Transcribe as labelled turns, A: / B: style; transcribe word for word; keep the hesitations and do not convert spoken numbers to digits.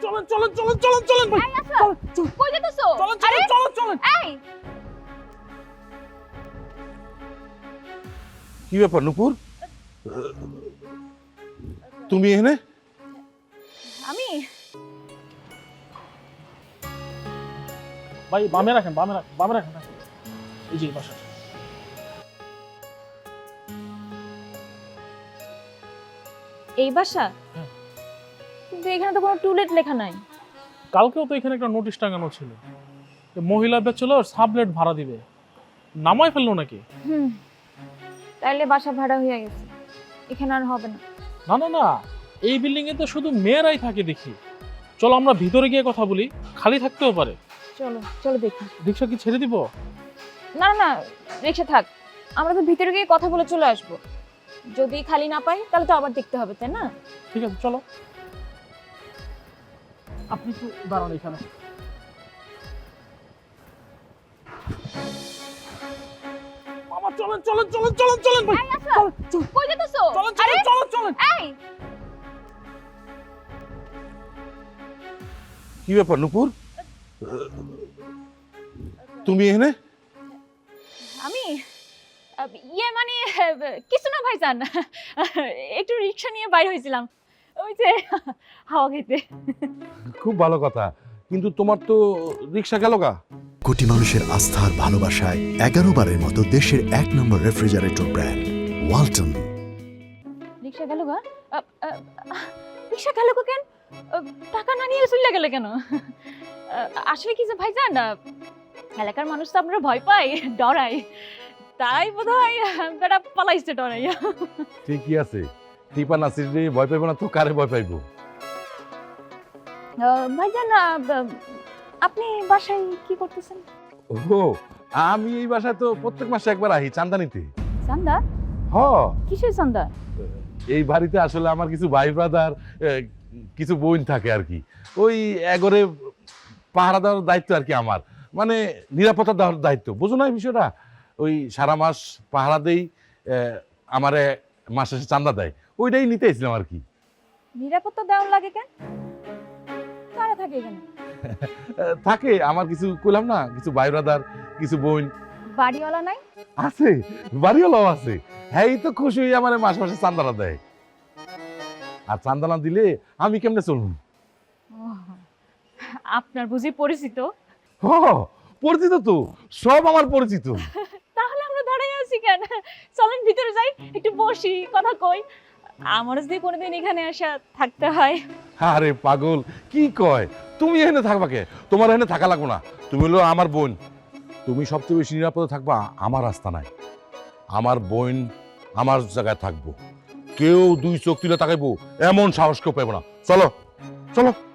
A: চলেন চলেন চলেন চলেন চলেন ভাই
B: এই আসো কই যেতেছো
A: চলেন
B: আরে
A: চলেন চলেন চলেন
B: এই
C: কি ব্যাপার নুপুর, তুমি এখানে?
B: আমি
A: ভাই বামে রাখেন বামে রাখেন বামে রাখেন এই যে বাসা।
B: এই বাসা
A: হ্যাঁ।
B: কিন্তু এখানে তো কোনো টুলেট লেখা নাই।
A: কালকেও তো এখানে একটা নোটিশ টাঙানো ছিল যে মহিলা ব্যাচেলর সাবলেট ভাড়া দিবে, নামাই ফেললো নাকি?
B: হুম তাইলে বাসা ভাড়া হয়ে গেছে, এখানে আর হবে না।
A: না না না, এই বিল্ডিং এ তো শুধু মেয়েরাই থাকে দেখি। চলো আমরা ভিতরে গিয়ে কথা বলি, খালি থাকতেও পারে।
B: চলো চলো দেখি।
A: রিক্সা কি ছেড়ে দিব?
B: না না না রিক্সা থাক, আমরা তো ভিতরে গিয়ে কথা বলে চলে আসবো। যদি খালি না পাই তাহলে তো আবার দেখতে হবে, তাই না?
A: ঠিক আছে চলো, আপনি একটু দাঁড়ান এখানে। মামা চলেন চলেন চলেন চলেন চলেন ভাই
B: এই আসো কই যেতেছো?
A: চলেন
B: আরে
A: চলেন চলেন চলেন।
B: এই
C: কি ব্যাপার নুপুর, তুমি এখানে?
B: আমি আহ, ইয়ে মানে আহ, কিছু না ভাইজান, একটু রিক্সা নিয়ে বাইরে হয়েছিলাম ওই যে হাওয়া খেতে।
C: খুব ভালো কথা, কিন্তু তোমার তো রিক্সা গেল গা।
D: কোটি মানুষের আস্থার ভালোবাসায় এগারো বারের মতো দেশের এক নম্বর রেফ্রিজারেটর ব্র্যান্ড ওয়ালটন।
B: রিক্সা গেল গা? আহ, আহ, রিক্সা গেল গো কেন? আহ, টাকা না নিয়ে চলে গেলে কেন? আহ, আসলে কি যে ভাইজান, আহ, এলাকার মানুষ তো আপনারা ভয় পায়, ডরায়, তাই বোধ হয় বেটা পালাইছে ডরাইয়া।
C: ঠিকই আছে, টিপা নাসির রে ভয় পাইব না তো কারে ভয় পাইব?
B: আহ, ভাইজান আহ, আপনি বাসায় কি করতেছেন?
C: ও, আমি এই বাসায় তো প্রত্যেক মাসে একবার আহি চান্দা নিতে।
B: চান্দা?
C: হ,
B: কিসের চান্দা?
C: এই বাড়িতে আসলে আমার কিছু ভাই ব্রাদার, কিছু বোন থাকে আর কি, ওই এগরে পাহারা দেওয়ার দায়িত্ব আর কি আমার, মানে নিরাপত্তা দেওয়ার দায়িত্ব, বুঝো না এই বিষয়টা? ওই সারা মাস পাহারা দেই, আমারে মাস শেষে চান্দা দেয়, ওইটাই নিতে এসেছিলাম আর কি।
B: নিরাপত্তা দেওয়ার লাগে কেন? কারা থাকে এখানে?
C: থাকে আমার কিছু, কইলাম না, কিছু ভাই ব্রাদার, কিছু বোন
B: বাড়িওয়ালা নাই?
C: আছে, বাড়িওয়ালাও আছে। হ্যাঁ, এই তো খুশি হয়ে আমার মাস মাসে চান্দানা দেয়, আর চান্দানা দিলে আমি কেমনে চলুন?
B: আপনার বুঝি পরিচিত?
C: হ, পরিচিত তো, সব আমার পরিচিত।
B: তাহলে আমরা দাঁড়াই আছি কেন? চলেন ভিতরে যাই, একটু বসি, কথা কই। আমার যদি কোনোদিন এখানে আসা থাকতে হয়।
C: আরে পাগল, কি কয়, তুমি এখানে থাকবা কে? তোমার এখানে থাকা লাগবো না, তুমি হলো আমার বোন, তুমি সবচেয়ে বেশি নিরাপদে থাকবা আমার রাস্তা নাই। আমার বোন আমার জায়গায় থাকবো, কেউ দুই চোখ তুলে তাকাইবো এমন সাহস কেউ পাইব না। চলো চলো।